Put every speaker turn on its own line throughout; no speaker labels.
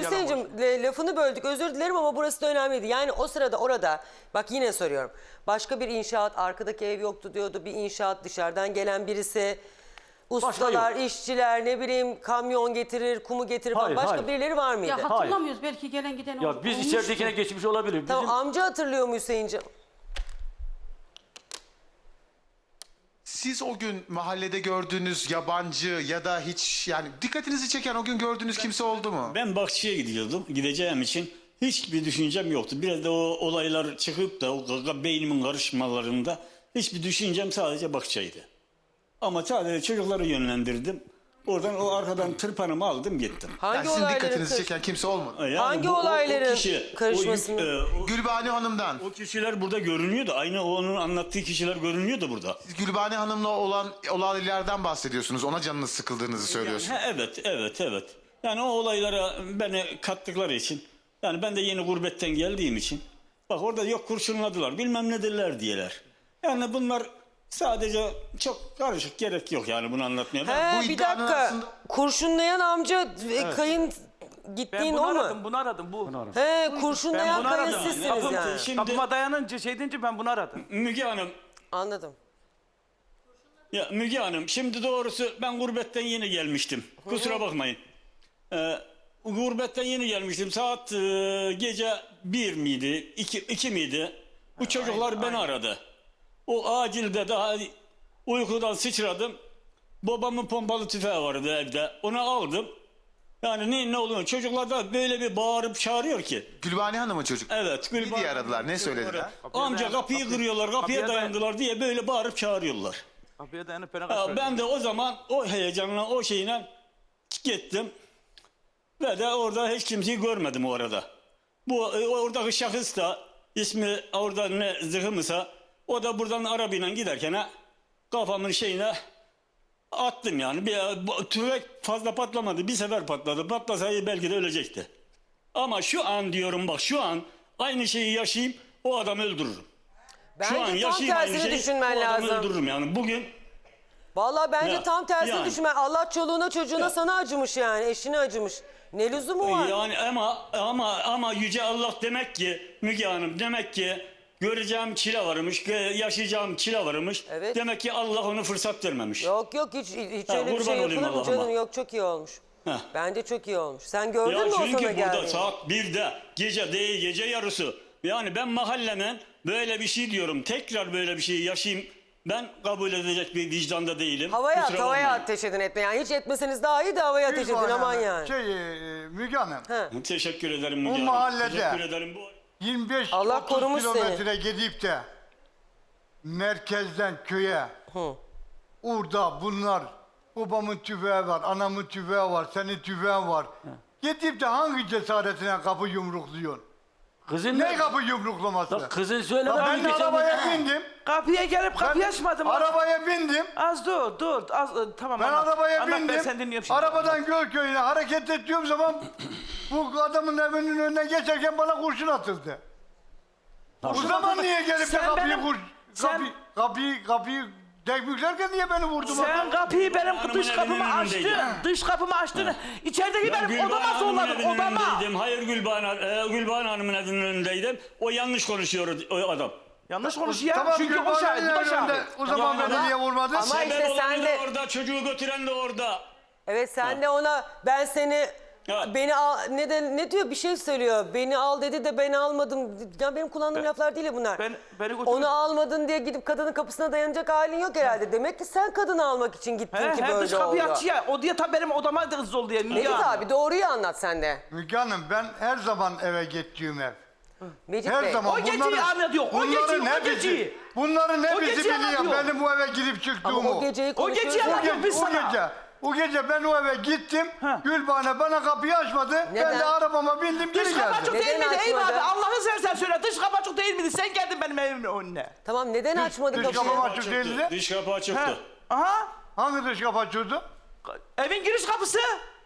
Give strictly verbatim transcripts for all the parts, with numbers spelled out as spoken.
Hüseyin'cim lafını böldük, özür dilerim ama burası da önemliydi. Yani o sırada orada, bak yine soruyorum. Başka bir inşaat, arkadaki ev yoktu diyordu. Bir inşaat, dışarıdan gelen birisi, ustalar, işçiler, ne bileyim kamyon getirir, kumu getirir falan.
Hayır,
Başka
hayır.
birileri var mıydı?
Ya hatırlamıyoruz, belki gelen giden
Ya
ol-
biz
olmuştur.
içeridekine geçmiş olabilir. Bizim...
Tamam, amca hatırlıyor mu Hüseyin'cim?
Siz o gün mahallede gördüğünüz yabancı ya da hiç yani dikkatinizi çeken o gün gördüğünüz kimse oldu mu?
Ben Bakçı'ya gidiyordum. Gideceğim için hiçbir düşüncem yoktu. Biraz da o olaylar çıkıp da o gaga- beynimin karışmalarında hiçbir düşüncem sadece Bakçı'ydı. Ama sadece çocukları yönlendirdim. Oradan o arkadan tırpanımı aldım gittim.
Hangi
Yani sizin
olayların
dikkatinizi
karış-
çeken kimse olmadı.
Yani
Hangi
bu- o- o
olayların
kişi,
karışmasını-
O, yük- e, o-
Gülbane Hanım'dan.
o kişiler burada görünüyordu. Aynı onun anlattığı kişiler görünüyordu burada.
Siz Gülbane Hanım'la olan olaylardan bahsediyorsunuz. Ona canınız sıkıldığınızı söylüyorsunuz.
Ha, evet, evet, evet. Yani o olaylara beni kattıkları için, yani ben de yeni gurbetten geldiğim için, bak orada yok kurşunladılar, bilmem ne dediler diyeler. Yani bunlar sadece çok karışık, gerek yok yani bunu anlatmaya. Ben-
He,
bu
bir
iddianın
dakika.
arasında-
Kurşunlayan amca e, kayın
Ben
gittiğin
bunu
o mu?
aradım, bunu aradım. Bu.
He,
Ben
kurşunlayan
bunu
kayın
aradım.
sizsiniz
Kapım-
yani.
Şimdi-
Kapıma dayanınca şey deyince ben bunu aradım.
Müge Hanım,
Anladım.
ya Müge Hanım, şimdi doğrusu ben gurbetten yeni gelmiştim. Kusura bakmayın. Ee, gurbetten yeni gelmiştim. Saat e, gece bir miydi, iki, iki miydi? Bu çocuklar beni aradı. O acilde daha uykudan sıçradım. Babamın pompalı tüfeği vardı evde. Onu aldım. Yani ne ne oluyor? Çocuklar da böyle bir bağırıp çağırıyor ki.
Gülbane Hanım'ın çocuk.
Evet.
Ne diye aradılar? Ne söylediler?
Amca
dayan-
kapıyı
kapı-
kırıyorlar, kapıya
kapıya dayan-
dayandılar diye böyle bağırıp çağırıyorlar.
Kapıya dayanıp beni
Ya
kaçırdı.
ben de o zaman o heyecanla, o şeyle gittim. Ve de orada hiç kimseyi görmedim o arada. Bu e, oradaki şahıs da ismi orada ne zırhımsa o da buradan arabayla giderken ha, kafamın şeyine attım yani. Bir, bu tüfek fazla patlamadı. Bir sefer patladı. Patlasaydı belki de ölecekti. Ama şu an diyorum bak şu an aynı şeyi yaşayayım o adamı öldürürüm.
Bence
Şu an
tam
yaşayayım aynı
tersini
şeyi
düşünmen
o adamı
lazım.
öldürürüm yani. Bugün
Vallahi bence
Ya,
tam tersini
yani.
düşünmen. Allah çoluğuna çocuğuna
Ya.
sana acımış yani. Eşine acımış. Ne lüzumu var?
Yani ama ama ama yüce Allah demek ki Müge Hanım demek ki göreceğim çile varmış, yaşayacağım çile varmış.
Evet.
Demek ki Allah onu fırsat vermemiş.
Yok yok hiç, hiç
Ha,
öyle bir
kurban
şey
olayım
yapılır mı
Allah'ıma.
canım? Yok, çok iyi olmuş.
Heh.
Bence çok iyi olmuş. Sen gördün
Ya
mü o
çünkü
sana
burada
geldiğini?
saat birde gece değil gece yarısı. Yani ben mahallemen böyle bir şey diyorum. Tekrar böyle bir şey yaşayayım. Ben kabul edecek bir vicdanda değilim.
Havaya at,
Kusura
havaya
bakmayın.
ateş edin etme. Yani hiç etmeseniz daha iyi de havaya ateş edin aman yani.
Şey, e, Müge Hanım,
He.
Teşekkür ederim Müge
Bu
Hanım.
mahallede-
Teşekkür ederim. Bu...
yirmi
Allah
beş
korumuş
otuz
seni.
kilometre gidip de merkezden köye orada bunlar babamın tüfeği var, anamın tüfeği var, senin tüfeğin var. Gidip de hangi cesaretine kapı yumrukluyorsun?
Kızın
Ne kapı yumruklaması?
Ya kızın söyleme.
Ya ben de arabaya bindim.
Kapıya gelip kapıyı
Ben
açmadım.
arabaya bindim.
Az dur dur. Az, ıı, tamam
Ben
anlat.
arabaya
Anlat,
bindim.
Ben seni dinliyorum şimdi.
Arabadan Gölköy'üne hareket ettiğim zaman bu adamın evinin önüne geçerken bana kurşun atıldı. O zaman niye gelip de
Sen
kapıyı
benim-
kur,
sen-
kapı, kapıyı kapıyı tekbüklerken niye beni vurdun?
Sen kapıyı benim
Hanımın
dış kapımı
evinin
açtın.
önündeydim.
Dış kapımı açtın. İçerideki
Ben
benim
Gülbahar
odama
Hanım'ın
zorladın.
evinin
Odama.
önündeydim. Hayır Gülbahar, e, Gülbahar Hanım'ın evinin önündeydim. O yanlış konuşuyor o adam.
Yanlış konuşuyor ya.
Tamam,
Çünkü o
Gülbahar'ın
şahit. Bu da
önünde.
şahit.
O zaman
Ya
beni
ama-
niye vurmadın?
ama-
Sebep
işte
olan
sen
da
de-
orada, çocuğu götüren de orada.
Evet sen de ona ben seni
Ya.
beni al ne de ne diyor bir şey söylüyor. Beni al dedi de ben almadım. Ya benim kullandığım laflar değil ya bunlar.
Ben- beni götür-
Onu almadın diye gidip kadının kapısına dayanacak halin yok herhalde. Demek ki sen kadını almak için gittin
He,
ki
he,
böyle
dış kapıyı
oldu.
açıyor. O diye tabii benim odama da hızlı oldu diye.
Mecit abi doğruyu anlat sen de.
Müge Hanım ben her zaman eve gittiğim ev.
Mecit
Her
Bey.
zaman
O geceyi anlatıyor, o geceyi,
bunların
o
hepsi-
geceyi.
Bunların
O
hepsi
geceyi
biliyor
anlatıyor.
benim bu eve girip
Ama
çıktığımı.
o geceyi
O
konuşuyoruz.
geceyi
ya.
O,
anlatıyor.
ge-
biz
o
sana.
gece, o gece ben o eve gittim.
Ha.
Gülbahane bana kapıyı açmadı. Ben
Neden?
de arabama bindim geri
Dış kapı açık
geldim.
değil
Neden
miydi? Eyvallah
açmadı?
abi. Allah'ını seversen söyle. Dış kapı açık değil miydi? Sen geldin benim evimin önüne.
Tamam neden açmadı
dış
kapıyı?
kapı açık değildi.
Dış kapı açıktı.
He. Aha.
Hangi dış kapı açıyordu?
Evin giriş kapısı.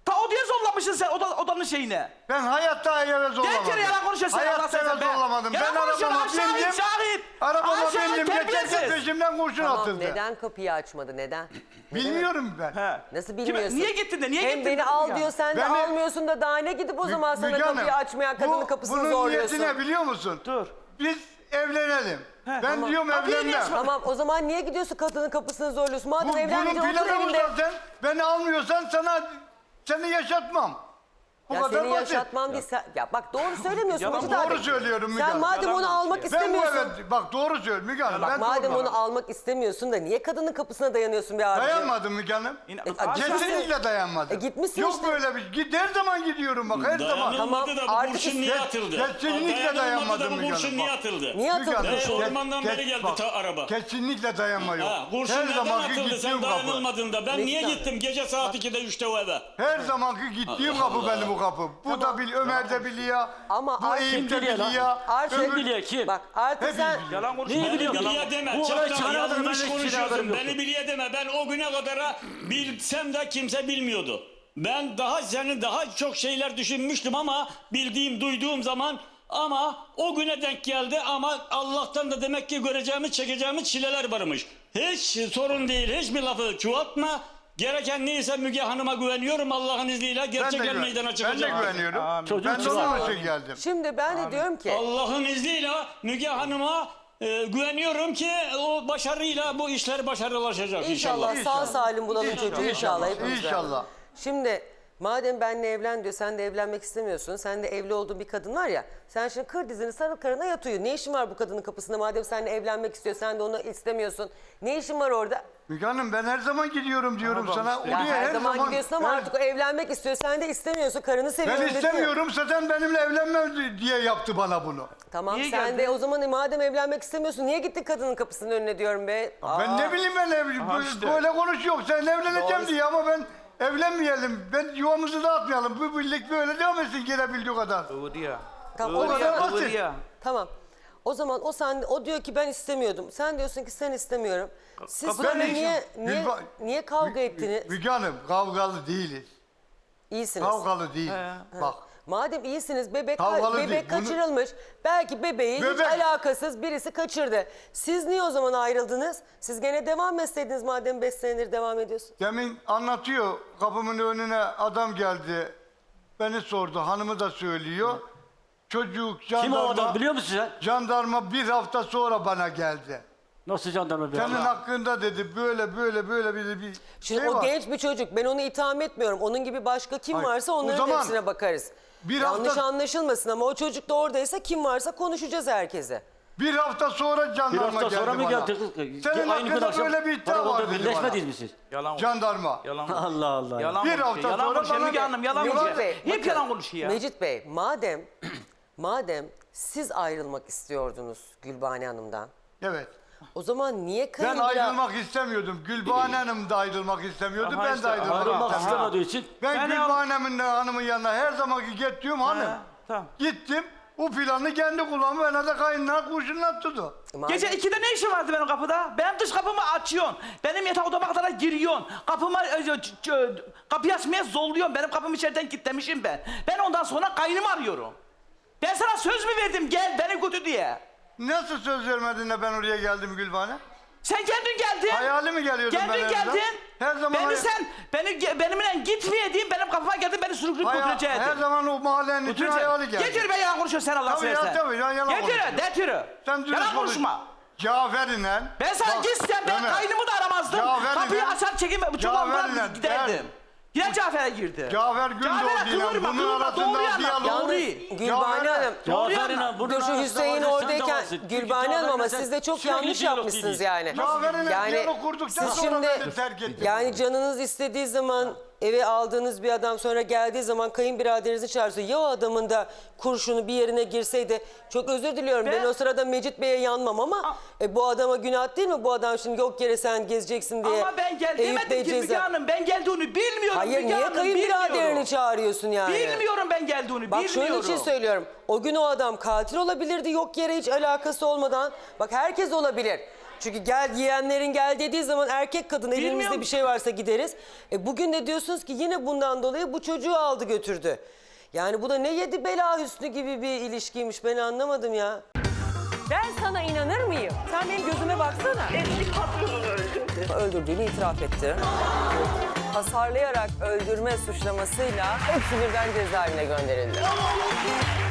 Ta odaya zollamışsın sen oda, odanın şeyine.
Ben hayatta eve zorlamadım.
Gel kere yalan konuşuyorsun.
Hayatta eve zorlamadım. Ben
Yalan konuşuyorsun.
arabama
Şahit,
bindim.
şahit.
Arabama
Şahit,
bindim. Geçerken
terbiyesiz.
peşimden kurşun
Tamam,
atıldı.
neden kapıyı açmadı? Neden?
Bilmiyorum ben.
He.
Nasıl
Kime-
bilmiyorsun?
niye gittin de niye
Hem
gittin
beni
de
al
ya?
diyor, sen de
Beni-
almıyorsun da daha ne gidip o zaman sana
Müge
kapıyı
Hanım,
açmayan kadının
bu-
kapısını
bunun
zorluyorsun.
niyeti ne biliyor musun?
Dur.
Biz evlenelim. ben
tamam.
diyorum
Kapıyı niye
evlenmem.
açmadın?
Tamam, o zaman niye gidiyorsun kadının kapısını zorluyorsun? Madem
Bu, bunun
evlenmeyeceksin otur
planı bu
evinde.
zaten. Beni almıyorsan sana seni yaşatmam. Bu
Ya
kadar
seni
basit.
yaşatmam değil. Sen, ya bak doğru söylemiyorsun
Yalan,
Mecit abi.
Doğru söylüyorum Müge
Sen
Hanım.
madem
Yalan
onu
konuşuyor.
almak
Ben bu
istemiyorsun.
eve, bak doğru söylüyorum Müge Hanım.
Bak
ben
madem
doğru
onu almak istemiyorsun da niye kadının kapısına dayanıyorsun bir abicim?
Dayanmadım Müge Hanım.
İn-
E,
Aşağı-
Kesinlikle dayanmadım.
E, gitmişsin
Yok
işte.
böyle bir. Git, her zaman gidiyorum bak her zaman.
Dayanılmadı
Tamam,
da bu
artık
kurşun
işte-
niye atıldı?
Kesinlikle
Dayanılmadı da
dayanmadım
bu
Müge
kurşun
Hanım,
niye
bak.
atıldı?
Niye
Müge
atıldı?
Hanım,
Ee,
kes-
ormandan
kes-
beri geldi
bak,
ta araba.
Kesinlikle dayanma yok.
Ha, kurşun
Her
neden
zamanki
atıldı
gittiğim
sen
kapı.
dayanılmadığında? Ben
Ne
niye
güzel.
gittim gece saat ikide üçte o eve?
Her zamanki gittiğim
Allah
kapı
Allah.
benim bu kapı. Bu da bil, Ömer de biliyor.
Ama
bu
artık-
Eyüp de
Kim biliyor lan?
biliyor.
Artık
Kim biliyor, kim?
Bak artık
Hepimiz
sen
biliyoruz.
Yalan konuşma.
Neyi
Beni
biliyor lan?
biliye deme.
Bu
Çok
olay
da
çıkana kadar ben
yanlış
hiçbir şeyden haberim
konuşuyorsun.
yoktu.
Beni biliye deme. Ben o güne kadar bilsem de kimse bilmiyordu. Ben daha senin daha çok şeyler düşünmüştüm ama bildiğim, duyduğum zaman ama o güne denk geldi ama Allah'tan da demek ki göreceğimiz, çekeceğimiz çileler varmış. Hiç sorun değil. Hiçbir lafı çoğaltma. Gereken neyse Müge Hanım'a güveniyorum Allah'ın izniyle.
Ben de,
Gerçek el
güven-
meydana
ben de
çıkacak.
güveniyorum.
Amin.
Çocuğun
Ben de onun
çıkar.
için geldim.
şimdi ben de diyorum ki
Allah'ın izniyle Müge Hanım'a e, güveniyorum ki o başarıyla bu işler başarılaşacak
inşallah,
inşallah.
sağ salim bulalım çocuğu inşallah. hepimiz
İnşallah.
beraber. Şimdi madem benimle evlen diyor, sen de evlenmek istemiyorsun. Sen de evli olduğun bir kadın var ya. Sen şimdi kır dizini, sarıl karına yat uyu. Ne işin var bu kadının kapısında madem seninle evlenmek istiyor, sen de onu istemiyorsun. Ne işin var orada?
Müge Hanım ben her zaman gidiyorum diyorum sana.
Ya
Oraya
her, zaman, gidiyorsun ama
her-
artık o evlenmek istiyor. Sen de istemiyorsun. Karını seviyorum
Ben
dedi.
istemiyorum zaten benimle evlenme diye yaptı bana bunu.
Tamam
Niye
sen
geldin?
de o zaman madem evlenmek istemiyorsun niye gittin kadının kapısının önüne diyorum be.
Ben ne bileyim ben ev,
Aha
bu-
işte.
böyle konuşuyor. Sen evleneceğim
Doğru.
diye ama ben evlenmeyelim. Ben yuvamızı dağıtmayalım. Bu birlik böyle devam etsin gelebildiği kadar.
Kıvırıyor.
Tamam, o
kadar
Kıvırıyor,
basit.
kıvırıyor.
Tamam. O zaman o sen o diyor ki ben istemiyordum. Sen diyorsun ki sen istemiyorum. Siz
kapıdan
sonra
ne işin-
niye niye
Gülba-
niye kavga ettiniz?
Müge Hanım kavgalı değiliz.
İyisiniz.
Kavgalı değil. Bak.
Madem iyisiniz bebek
Kavgalı
bebek
değil, bunu-
kaçırılmış. Belki bebeği hiç
Bebek-
alakasız birisi kaçırdı. Siz niye o zaman ayrıldınız? Siz gene devam etseydiniz madem beş senedir devam ediyorsun.
Demin anlatıyor. Kapımın önüne adam geldi. Beni sordu. Hanımı da söylüyor. Çocuk
Kim o
jandarma,
adam biliyor musun sen?
jandarma bir hafta sonra bana geldi.
Nasıl jandarma bir
Senin
adam?
hakkında dedi böyle böyle böyle bir, bir
Şimdi
şey
o
var.
genç bir çocuk. Ben onu itham etmiyorum. Onun gibi başka kim
Hayır,
varsa
o
onların
zaman
hepsine bakarız.
bir
Yanlış
hafta-
anlaşılmasın ama o çocuk da oradaysa kim varsa konuşacağız herkese.
Bir hafta sonra
Bir
jandarma
hafta
geldi
sonra mı
bana.
geldi?
Senin
Aynı gün
hakkında
akşam
böyle bir iddia
karakolda
var dedi bana.
birleşmediniz mi siz?
Yalan
Jandarma.
Yalan
Allah Allah.
Yalan
Bir
konuşuyor.
hafta
Yalan
sonra
konuşuyor.
bana
Müge
de-
Hanım yalan
Mecit
konuşuyor.
Bey,
Hep
bakın,
yalan konuşuyor.
Mecit Bey, madem madem siz ayrılmak istiyordunuz Gülbane Hanım'dan,
Evet.
o zaman niye
Ben
kayınbira...
ayrılmak istemiyordum. Gülbahane Hanım da ayrılmak istemiyordu.
Aha
ben
işte,
de ayrılmak
Ayrılmak
istemiyordum.
istemediği için
Ben
Yani
Gülbahane'min hanımın yanına her zamanki gittiğim hanım.
tamam.
Gittim. O planı kendi kulağımı bana da kayınına kurşunlattırdı.
Madem-
Gece ikide ne işin vardı benim kapıda? Benim dış kapımı açıyorsun. Benim yatak odama kadar giriyorsun. Kapıma, e, ç- ç- kapıyı açmaya zorluyorsun. Benim kapımı içeriden kilitlemişim ben. Ben ondan sonra kaynımı arıyorum. Ben sana söz mü verdim gel beni götür diye.
Nasıl söz vermedin de ben oraya geldim Gülbahane?
Sen kendin geldin.
Hayali mi geliyordum ben
Geldin
evden?
geldin.
Her zaman
Beni
hay-
sen, beni ge- benimle gitmeyediğin benim kapıma geldin beni sürükleyip
Haya-
götüreceydin.
her zaman o mahallenin için hayali geldi.
Getir be yalan konuşuyorsun sen Allah
Tabii ya,
seversen.
tabii ya, yalan
Getir,
konuşuyorum.
getir.
Sen dürüst
Yalan
konuş.
konuşma.
Cafer inen.
Ben sana
Bak,
gitsem ben
Ömer,
kaynımı da aramazdım.
Cafer
Kapıyı
inen-
açar çekip
Cafer
çuvaldan
inen,
giderdim.
der.
Yine Cafer'e girdi.
Cafer Gündoğdu
Cafer'e
ile
kıvırma,
bunun
kıvırma,
arasında
doğruyu anlat,
diyalog-
doğruyu.
Yalnız Gülbane
Cafer-
Hanım,
Doğru
Cafer'in
yana.
ha, bunun
dur şu
arasında
Hüseyin
var ya, sen de
oradayken
varsın. Çünkü
Gülbane Hanım ama
Cafer'le
siz de çok
sürekli
yanlış
diyalog
yapmışsınız
değil.
yani.
Cafer'inle
Yani
diyalog kurduktan
siz
sonra
şimdi
beni terk etti.
yani canınız istediği zaman eve aldığınız bir adam sonra geldiği zaman kayınbiraderinizi çağırsa ya o adamın da kurşunu bir yerine girseydi, çok özür diliyorum ben,
Ben-
o sırada Mecit Bey'e yanmam ama e, bu adama günah değil mi, bu adam şimdi yok yere sen gezeceksin diye.
Ama ben gel
Eyüp
demedim
Bey
ki Müge
ceza-
Hanım. Ben geldiğini bilmiyorum
Hayır
Müge
niye
Hanım,
kayınbiraderini
bilmiyorum.
çağırıyorsun yani?
Bilmiyorum ben geldiğini
Bak
bilmiyorum.
şunun için söylüyorum. O gün o adam katil olabilirdi yok yere hiç alakası olmadan. Bak herkes olabilir. Çünkü gel yeğenlerin gel dediği zaman erkek kadın elimizde
Bilmiyorum.
bir şey varsa gideriz. E bugün de diyorsunuz ki yine bundan dolayı bu çocuğu aldı götürdü. Yani bu da ne yedi bela hüsnü gibi bir ilişkiymiş, ben anlamadım ya. Ben sana inanır mıyım? Sen benim gözüme baksana.
Eski patronunu öldürdü.
Öldürdüğünü itiraf etti. Hasarlayarak öldürme suçlamasıyla hepsi birden cezaevine gönderildi.